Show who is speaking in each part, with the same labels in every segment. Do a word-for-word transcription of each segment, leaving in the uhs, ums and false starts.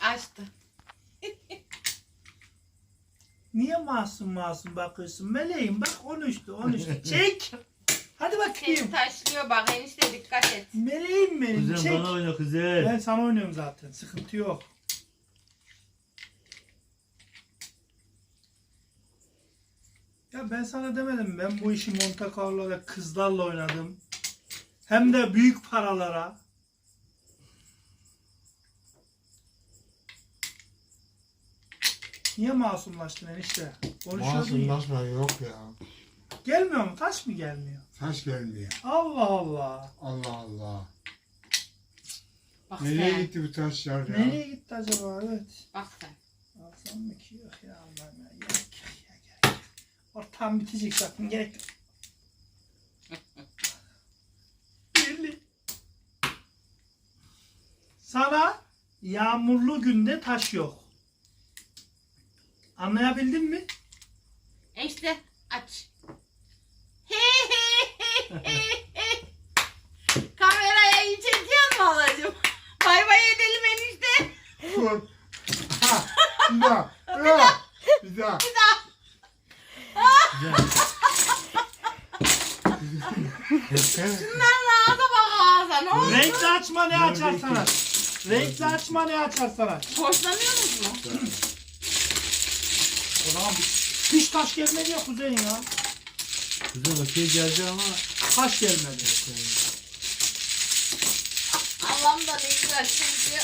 Speaker 1: Açtı.
Speaker 2: Niye masum masum bakıyorsun? Meleğim bak konuştu konuştu. Çek. Hadi
Speaker 1: Seni
Speaker 2: bakayım.
Speaker 1: taşlıyor bak enişte dikkat et.
Speaker 2: Meleğim benim
Speaker 3: Kuzen
Speaker 2: çek.
Speaker 3: bana oyna kuzen.
Speaker 2: Ben sana oynuyorum zaten. Sıkıntı yok. Ya ben sana demedim. Ben bu işi Monte Carlo'da kızlarla oynadım. Hem de büyük paralara. Niye masumlaştın enişte? Konuşuyordun ya.
Speaker 4: Masumlaşma yok ya.
Speaker 2: Gelmiyor mu? Taş mı gelmiyor?
Speaker 4: Taş gelmiyor.
Speaker 2: Allah Allah.
Speaker 4: Allah Allah.
Speaker 1: Bak
Speaker 4: Nereye
Speaker 1: sen.
Speaker 4: gitti bu taşlar ya?
Speaker 2: Nereye gitti acaba? Evet.
Speaker 1: Bak sen.
Speaker 2: Alsam mı ki? Yok ya Allah'ım ya. Gerek yok ya gerek yok. Ortam bitecek zaten. Gerek yok. Birli. Sana yağmurlu günde taş yok. Anlayabildin mi?
Speaker 1: Enişte aç. Kameraya iyi çekiyor mu halacığım? Bay bay edelim enişte.
Speaker 4: Dur. Ha, bir daha. Bir daha. Bir daha.
Speaker 1: Bir daha. Şunlarla ağza bak ağza ne oldu?
Speaker 2: Renkli açma ne açar sana? Renkli açma ne açar sana?
Speaker 1: Hoşlanıyorsunuz mu?
Speaker 2: O zaman hiç taş gelmedi ya kuzen ya.
Speaker 3: Kuzen okey geldi ama
Speaker 2: Taş gelmedi.
Speaker 1: Allah'ım da ne güzel çünkü.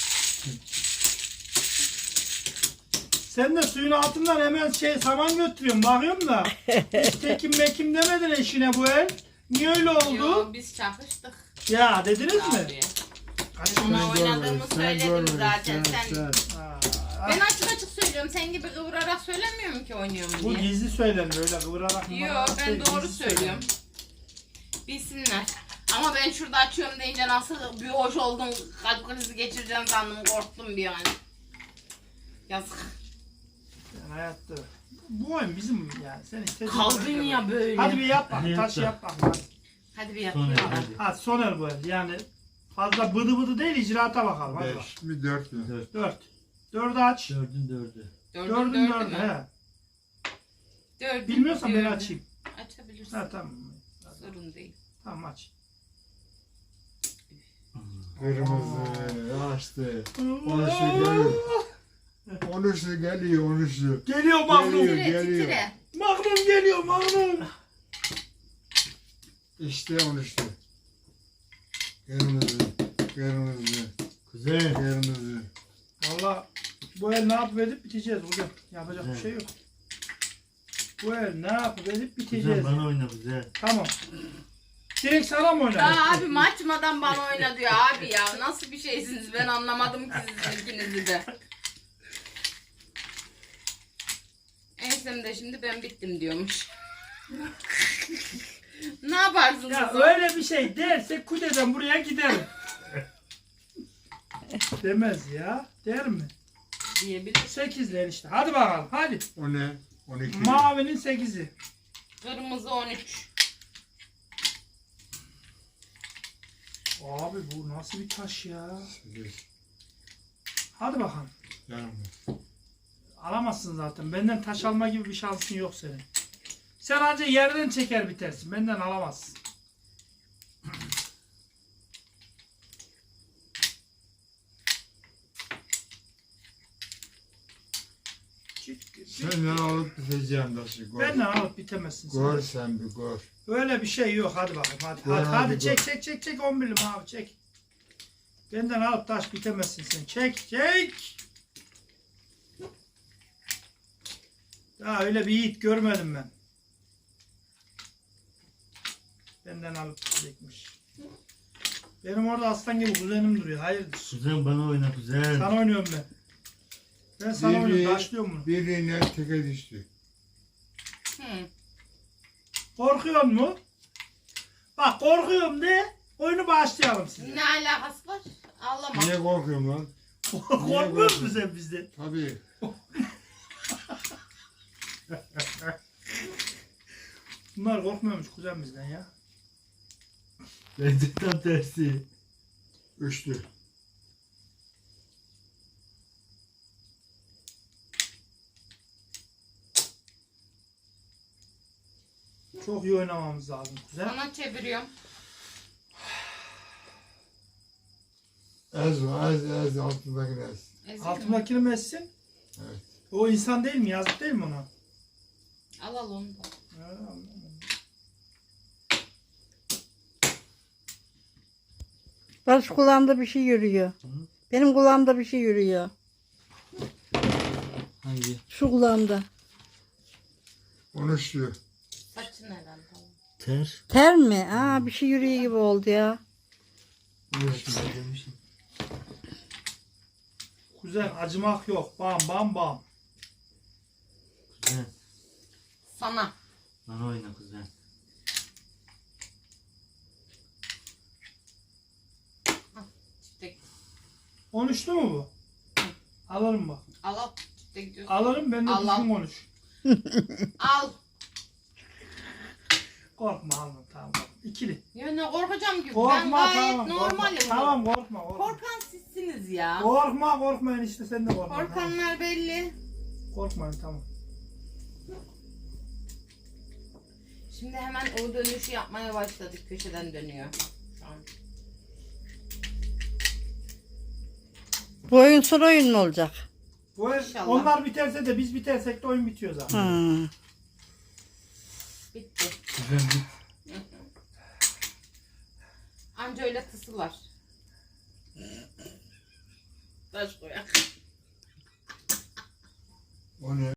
Speaker 2: Sen de suyun altından hemen şey saman götürüyorsun. Bakıyorum da. Hiç tekim mekim demedin eşine bu el. Niye öyle oldu?
Speaker 1: Yo, biz çakıştık.
Speaker 2: Ya dediniz mi?
Speaker 1: Abi.
Speaker 2: Açık
Speaker 1: Ona
Speaker 2: mı?
Speaker 1: oynadığımı söyledim zaten. Sen,
Speaker 2: Aa,
Speaker 1: ben açık açık söylüyorum. Sen gibi kıvırarak söylemiyorum ki oynuyorum
Speaker 2: Bu
Speaker 1: diye.
Speaker 2: gizli söylenir öyle kıvırarak.
Speaker 1: Yo
Speaker 2: kıvırarak
Speaker 1: ben
Speaker 2: değil,
Speaker 1: doğru
Speaker 2: gizli
Speaker 1: söylüyorum. Bilsinler. Ama ben şurada açıyorum deyince nasıl bir hoş oldum. Kalp krizi geçireceğim sandım. Korktum bir an. Yazık.
Speaker 2: Yani hayatta. Bu oyun bizim yani. Sen istediğin
Speaker 1: Kaldın
Speaker 2: oyunu
Speaker 1: ya
Speaker 2: yap.
Speaker 1: böyle.
Speaker 2: Hadi bir yap bak.
Speaker 3: Hadi
Speaker 2: Taş
Speaker 3: yap
Speaker 2: yap bak. Hadi.
Speaker 1: Hadi bir
Speaker 3: sonra
Speaker 1: yapayım.
Speaker 3: hadi.
Speaker 2: Hadi soner bu el. Yani fazla bıdı bıdı değil icraata bakalım. Hadi bak.
Speaker 4: Beş mi dört mü?
Speaker 3: Dört.
Speaker 2: Dört. Dördü aç.
Speaker 3: Dördün dördü.
Speaker 1: Dördün
Speaker 2: Dördün
Speaker 1: dördü
Speaker 2: dördü.
Speaker 1: mü?
Speaker 2: He.
Speaker 1: Dördün
Speaker 2: Bilmiyorsan ben
Speaker 1: dördü.
Speaker 2: açayım.
Speaker 1: Açabilirsin.
Speaker 2: Ha tamam.
Speaker 1: Sorun değil.
Speaker 2: Tamam aç.
Speaker 4: Kırmızı açtı. Onuşu geliyor. Onuşu geliyor onuşu.
Speaker 2: Geliyor Magnum.
Speaker 4: Geliyor.
Speaker 1: Titre
Speaker 4: geliyor.
Speaker 1: titre.
Speaker 2: Magnum geliyor Magnum.
Speaker 4: İşte onuşu. Kırmızı. Kırmızı.
Speaker 3: Kuzen.
Speaker 4: Kırmızı.
Speaker 2: Valla bu el ne yapıp edip biteceğiz hocam. Yapacak bir
Speaker 3: Evet.
Speaker 2: şey yok. Bu el ne yapıp edip
Speaker 3: Kuzen
Speaker 2: biteceğiz.
Speaker 3: bana oyna kuzen.
Speaker 2: Tamam. Direkt sana mı oynadın?
Speaker 1: Ya abi açmadan bana oyna diyor abi ya. Nasıl bir şeysiniz ben anlamadım ki sizin ikinizi de. Ensem de şimdi ben bittim diyormuş. Ne yaparsınız?
Speaker 2: Ya
Speaker 1: o?
Speaker 2: öyle bir şey derse kudeden buraya giderim. Demez ya. Der mi?
Speaker 1: Diyebilir.
Speaker 2: Sekizler işte. Hadi bakalım. Hadi.
Speaker 4: O ne? On iki.
Speaker 2: Mavinin sekizi.
Speaker 1: Kırmızı on üç.
Speaker 2: Abi bu nasıl bir taş ya?
Speaker 4: Sekiz.
Speaker 2: Hadi bakalım.
Speaker 4: Yanımda.
Speaker 2: Alamazsın zaten. Benden taş alma gibi bir şansın yok senin. Sen ancak yerden çeker bitersin. Benden alamazsın.
Speaker 4: Senden alıp biteceğim taşı. Gör.
Speaker 2: Benden alıp bitemezsin. sen.
Speaker 4: Gör sen bir gör.
Speaker 2: Öyle bir şey yok. Hadi bakalım. Hadi,
Speaker 4: Gör,
Speaker 2: hadi,
Speaker 4: hadi
Speaker 2: hadi
Speaker 4: gör.
Speaker 2: çek çek çek çek. on birli abi çek. Benden alıp taş bitemezsin sen. Çek çek. Ya öyle bir yiğit görmedim ben. Benden alıp bitecekmiş. Benim orada aslan gibi kuzenim duruyor. Hayırdır?
Speaker 3: Kuzen bana oyna kuzen.
Speaker 2: Sana oynuyorum ben. Ben sana
Speaker 4: Biri-
Speaker 2: oynuyorum. Taşlıyorum bunu.
Speaker 4: Birine teke düştü.
Speaker 1: Hı.
Speaker 2: Korkuyor mu? Bak korkuyorum de oyunu başlayalım size.
Speaker 1: Ne alakası var? Ağlama.
Speaker 4: Niye korkuyorum lan?
Speaker 2: Korkmuyor musun sen bizden?
Speaker 4: Tabii.
Speaker 2: Bunlar korkmuyormuş kuzen bizden ya.
Speaker 3: Bence tam tersi.
Speaker 4: Üçlü.
Speaker 2: Çok iyi oynamamız lazım kuzen.
Speaker 1: Sana çeviriyorum.
Speaker 4: Ez o, ez, ez, altındaki ez.
Speaker 1: Ezeyim mi?
Speaker 2: Altındakini mi etsin?
Speaker 4: Evet.
Speaker 2: O insan değil mi? Yazık değil mi ona?
Speaker 1: Al al onu da.
Speaker 2: Ha, anladım.
Speaker 5: Barış kulağımda bir şey yürüyor.
Speaker 3: Hı?
Speaker 5: Benim kulağımda bir şey yürüyor.
Speaker 3: Hangi?
Speaker 5: Şu kulağımda.
Speaker 4: Konuşuyor.
Speaker 1: Saçın herhalde.
Speaker 3: Ter.
Speaker 5: Ter mi? Aa bir şey yürüyor gibi oldu ya.
Speaker 4: Konuşuyor.
Speaker 3: Ne demişim?
Speaker 2: Kuzen acımak yok. Bam bam bam.
Speaker 3: Kuzen.
Speaker 1: Sana.
Speaker 3: Bana oyna kuzen.
Speaker 1: Çifte.
Speaker 2: Konuştu mu bu? Alırım bak.
Speaker 1: Al al. Çifte gidiyorsun.
Speaker 2: Alırım ben de
Speaker 1: Al, al.
Speaker 2: düzgün konuş.
Speaker 1: Al.
Speaker 2: Korkma alma tamam. İkili.
Speaker 1: Ya ne korkacağım gibi. ben
Speaker 2: Korkma
Speaker 1: gayet
Speaker 2: tamam.
Speaker 1: normalim.
Speaker 2: Korkma. Tamam korkma. Korkma.
Speaker 1: Korkan sizsiniz ya.
Speaker 2: Korkma korkma enişte sen de korkma. Tamam.
Speaker 1: Korkanlar belli.
Speaker 2: Korkmayın tamam.
Speaker 1: Şimdi hemen o dönüşü yapmaya başladık. Köşeden dönüyor. Şu an.
Speaker 5: Bu oyun son oyun mu olacak?
Speaker 2: Bu el-
Speaker 1: İnşallah.
Speaker 2: onlar biterse de biz bitersek de oyun bitiyor zaten.
Speaker 5: Hmm.
Speaker 1: Bitti.
Speaker 3: Kuzen git.
Speaker 1: Anca öyle tısılar. Taş koyak.
Speaker 4: O ne?